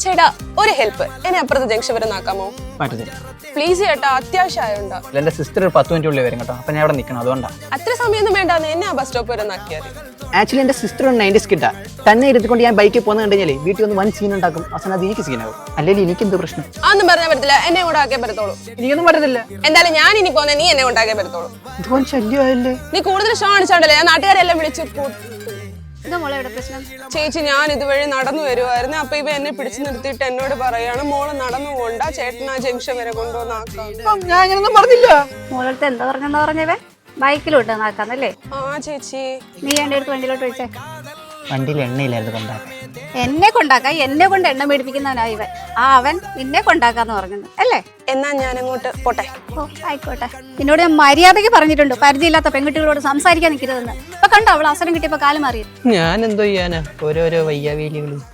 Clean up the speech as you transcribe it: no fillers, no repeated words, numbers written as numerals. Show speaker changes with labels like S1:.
S1: ചേട്ടാ ഒരു ഹെൽപ്പ്, എന്നെ അപ്പുറത്തെ ജംഗ്ഷൻ വരെ നാക്കാമോ?
S2: പറ്റത്തില്ല.
S1: പ്ലീസ് ചേട്ടാ, അത്യാവശ്യമായോണ്ടാ.
S2: എന്റെ സിസ്റ്റർ ഒരു 10 മിനിറ്റ് വരും കേട്ടോ. അപ്പൊ ഞാൻ അവിടെ നിൽക്കണം, അതുകൊണ്ടാണ്.
S1: അത്ര സമയമൊന്നും വേണ്ടാന്ന്, എന്നെ ആ ബസ് സ്റ്റോപ്പ് വരെ നാക്കിയാൽ.
S2: ആക്ച്വലി എന്റെ സിസ്റ്റർ 90s കിട്ടാ തന്നെ ഇരുത്തിക്കൊണ്ട് ഞാൻ ബൈക്കിൽ പോകുന്ന കണ്ടു കഴിഞ്ഞാൽ വീട്ടിൽ ഒന്ന് വൻ സീൻ ഉണ്ടാക്കും. അവസാനം അത് എനിക്ക് സീനാവും. അല്ലെങ്കിൽ എനിക്ക് എന്ത് പ്രശ്നം?
S1: അതൊന്നും പറഞ്ഞാൽ പറ്റത്തില്ല, എന്നെ കൂടെ ആക്കിയേ പറ്റത്തോളൂ.
S2: എനിക്കൊന്നും പറ്റത്തില്ല.
S1: എന്തായാലും ഞാൻ ഇനി പോന്നെ, നീ എന്നെ കൊണ്ടാക്കിയേ പറ്റത്തോളൂ.
S2: ഇതുപോലെ ശല്യമായല്ലേ?
S1: നീ കൂടുതൽ ഷോ കാണിച്ചോണ്ടല്ലേ ഞാൻ നാട്ടുകാരെല്ലാം വിളിച്ചു.
S3: പ്രശ്നം
S1: ചേച്ചി, ഞാൻ ഇതുവഴി നടന്നു വരുവായിരുന്നു. അപ്പൊ ഇവ എന്നെ പിടിച്ചു നിർത്തിയിട്ട് എന്നോട് പറയാണ്, മോള് നടന്നു പോണ്ട, ചേട്ടൻ ആ ജംഗ്ഷൻ വരെ കൊണ്ടുവന്നാക്കാം.
S2: ഞാൻ അങ്ങനൊന്നും പറഞ്ഞില്ല.
S3: മോളടുത്ത് എന്താ പറഞ്ഞവേ? ബൈക്കിലോട്ട് നാക്കാന്നല്ലേ?
S1: ആ ചേച്ചി,
S3: നീ എന്റെ അടുത്ത് വണ്ടിയിലോട്ട് വിളിച്ചേ.
S2: വണ്ടിയിൽ എണ്ണയിലായിരുന്നു കൊണ്ടാക്കാൻ.
S3: എന്നെ കൊണ്ടാക്കാൻ, എന്നെ കൊണ്ട് എണ്ണ മേടിപ്പിക്കുന്നവനാ ഇവൻ. അവൻ നിന്നെ കൊണ്ടാക്കാന്ന് പറഞ്ഞത് അല്ലേ?
S1: എന്നാ ഞാൻ അങ്ങോട്ട് പോട്ടെ.
S3: ഓ ആയിക്കോട്ടെ. നിന്നോട് ഞാൻ മര്യാദയ്ക്ക് പറഞ്ഞിട്ടുണ്ട് പരിചയമില്ലാത്ത പെൺകുട്ടികളോട് സംസാരിക്കാൻ നിൽക്കരുതെന്ന്. ഇപ്പൊ കണ്ടോ അവൾ അവസരം കിട്ടിയപ്പോ കാലം മാറി.
S2: ഞാൻ എന്തോ ചെയ്യാനാ, ഓരോരോ വയ്യാവേലികള്.